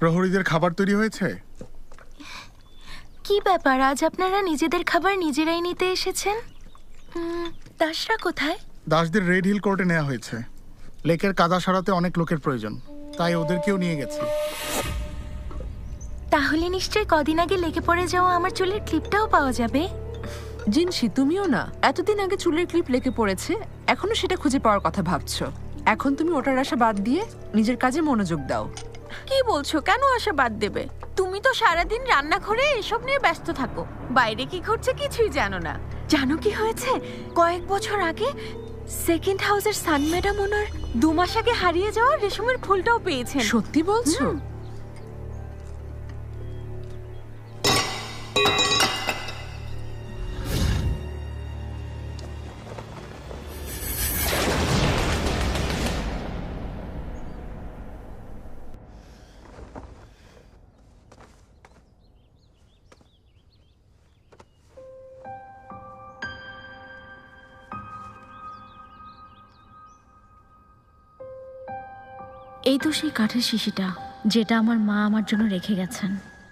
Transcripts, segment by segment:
প্রহরীদের খাবার তৈরি হয়েছে? কি ব্যাপার, আজ আপনারা নিজেদের খাবার নিজেরাই নিতে এসেছেন? দাসরা কোথায়? দাসদের রেড হিল কোর্টে নেওয়া হয়েছে। লেকের কাদা সরাতে অনেক লোকের প্রয়োজন, তাই ওদেরকেও নিয়ে গেছি। তাহলে নিশ্চয়ই কদিন আগে লেকে পড়ে যাওয়া আমার চুলের ক্লিপটাও পাওয়া যাবে। জিনসি, তুমিও না? এতদিন আগে চুলের ক্লিপ লেকে পড়েছে, এখনো সেটা খুঁজে পাওয়ার কথা ভাবছো? এখন তুমি ওটার আশা বাদ দিয়ে নিজের কাজে মনোযোগ দাও। কি বলছো? কেন আশা বাদ দেবে? তুমি তো সারাদিন রান্নাঘরে এসব নিয়ে ব্যস্ত থাকো, বাইরে কি ঘটছে কিছুই জানো না। জানো কি হয়েছে? কয়েক বছর আগে সেকেন্ড হাউসের সান ম্যাডাম ওনার 2 মাস আগে হারিয়ে যাওয়া রেশমের ফুলটাও পেয়েছেন। সত্যি বলছো? এই তো সেই কাঠের শিশিটা যেটা আমার মা আমার জন্য রেখে গেছেন।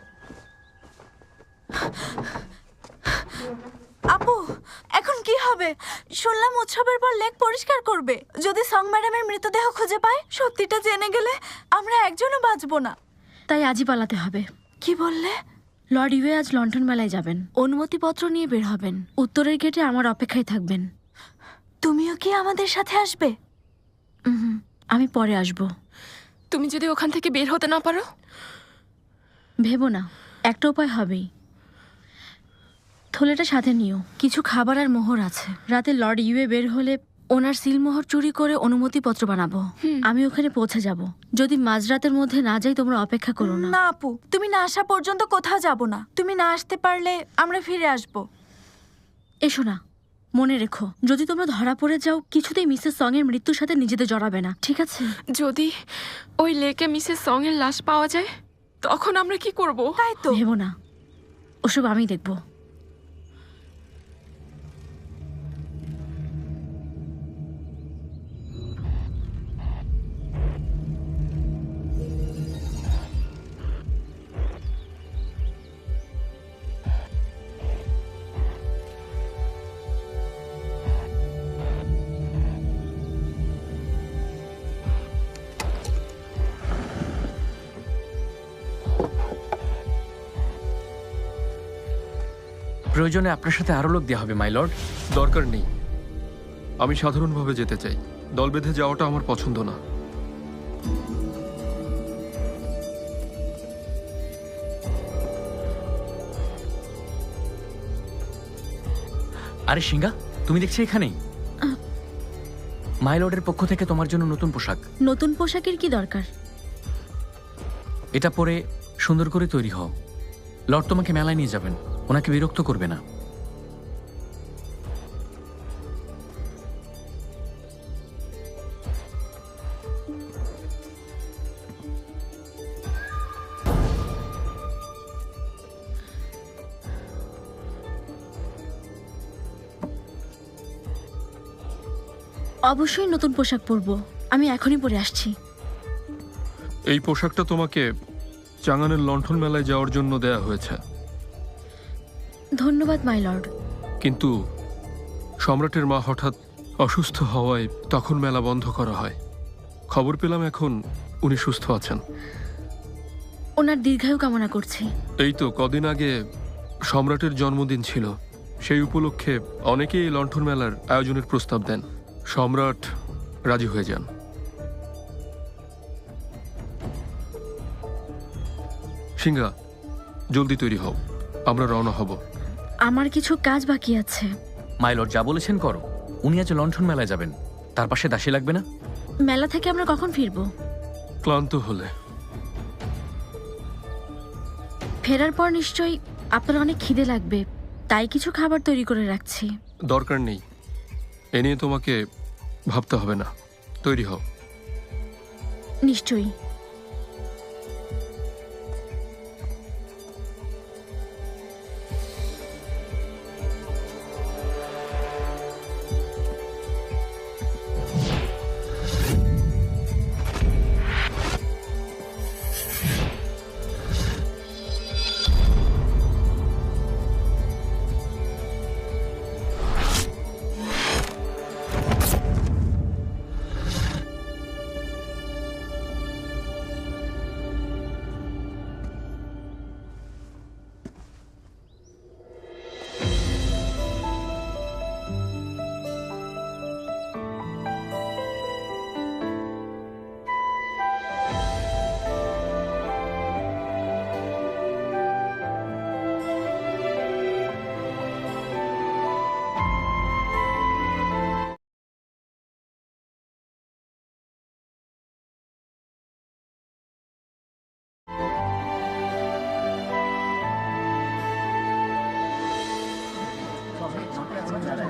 আপু, এখন কি হবে? শুনলাম উৎসবের পর লেক পরিষ্কার করবে। যদি সং ম্যাডামের মৃতদেহ খুঁজে পায়, সত্যিটা জেনে গেলে আমরা একজনও বাঁচবো না। তাই আজই পালাতে হবে। কি বললে? লর্ড ইউএ আজ লন্ঠন মেলায় যাবেন, অনুমতিপত্র নিয়ে বের হবেন। উত্তরের গেটে আমার অপেক্ষায় থাকবেন। তুমিও কি আমাদের সাথে আসবে? আমি পরে আসব। তুমি যদি ওখান থেকে বের হতে না পারো? ভেবো না, একটা উপায় হবেই। থলেটা সাথে নিও, কিছু খাবার আর মোহর আছে। রাতে লর্ড ইউএ বের হলে ওনার সিলমোহর চুরি করে অনুমতিপত্র বানাবো। আমি ওখানে পৌঁছে যাব। যদি মাঝরাতের মধ্যে না যাই, তোমরা অপেক্ষা করো না। না আপু, তুমি না আসা পর্যন্ত কোথাও যাব না। তুমি না আসতে পারলে আমরা ফিরে আসব। এসো না, মনে রেখো, যদি তোমরা ধরা পড়ে যাও, কিছুতেই মিসেস সং এর মৃত্যুর সাথে নিজেদের জড়াবে না, ঠিক আছে? যদি ওই লেকে মিসেস সং এর লাশ পাওয়া যায়, তখন আমরা কি করব? তাই তো। ভেবো না, ওসব আমি দেখবো। প্রয়োজনে আপনার সাথে আরো লোক দেওয়া হবে, মাই লর্ড। দরকার নেই, আমি সাধারণভাবে যেতে চাই। দল বেঁধে যাওয়াটা আমার পছন্দ না। আরে সিঙ্গা, তুমি দেখছি এখানেই। মাই লর্ডের পক্ষ থেকে তোমার জন্য নতুন পোশাক। নতুন পোশাকের কি দরকার? এটা পরে সুন্দর করে তৈরি হও। লর্ড তোমাকে মেলায় নিয়ে যাবেন, ওনাকে বিরক্ত করবে না। অবশ্যই নতুন পোশাক পরবো, আমি এখনই পরে আসছি। এই পোশাকটা তোমাকে চাঙানের লণ্ঠন মেলায় যাওয়ার জন্য দেয়া হয়েছে। ধন্যবাদ মাই লর্ড। কিন্তু সম্রাটের মা হঠাৎ অসুস্থ হওয়ায় তখন মেলা বন্ধ করা হয়। খবর পেলাম এখন উনি সুস্থ আছেন। ওনার দীর্ঘায়ু কামনা করছি। এই তো কদিন আগে সম্রাটের জন্মদিন ছিল, সেই উপলক্ষে অনেকেই এই লণ্ঠন মেলার আয়োজনের প্রস্তাব দেন। সম্রাট রাজি হয়ে যান। সিংহা, জলদি তৈরি হও, আমরা রওনা হব। আমার কিছু কাজ বাকি আছে। মাই লর্ড যা বলেছেন করো। উনি আজ লণ্ঠন মেলায় যাবেন, তার পাশে দাসী লাগবে না? মেলা থেকে আমরা কখন ফিরবো? ক্লান্ত হলে। ফেরার পর নিশ্চয়ই আপনার অনেক খিদে লাগবে, তাই কিছু খাবার তৈরি করে রাখছি। দরকার নেই, এ নিয়ে তোমাকে ভাবতে হবে না। তৈরি হও। নিশ্চয়ই।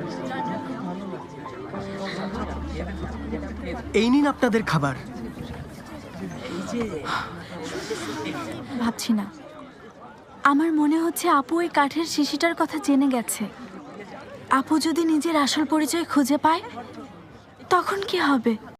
এই নিন আপনাদের খাবার। ভাবছি না, আমার মনে হচ্ছে আপু ওই কাঠের শিশিটার কথা জেনে গেছে। আপু যদি নিজের আসল পরিচয় খুঁজে পায় তখন কি হবে?